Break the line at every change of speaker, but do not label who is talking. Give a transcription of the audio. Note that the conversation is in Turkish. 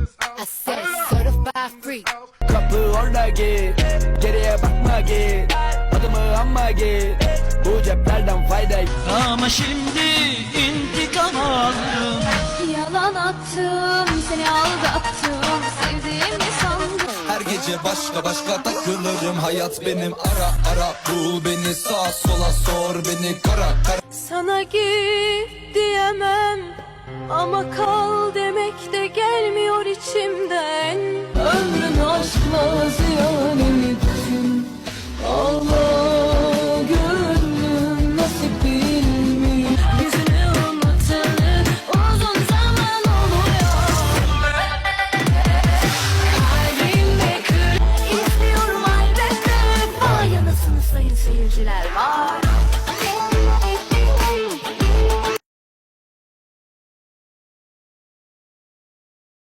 I said certified free.
Kapı orada git, geriye bakma git, adımı anma git, bu ceplerden fayda.
Ama şimdi intikam aldım.
Yalan attım, seni aldattım, sevdiğimi sandım.
Her gece başka başka takılırım, hayat benim, ara ara bul beni, sağa sola sor beni, kara kara.
Sana git diyemem ama kal demek de gelmiyor içimden.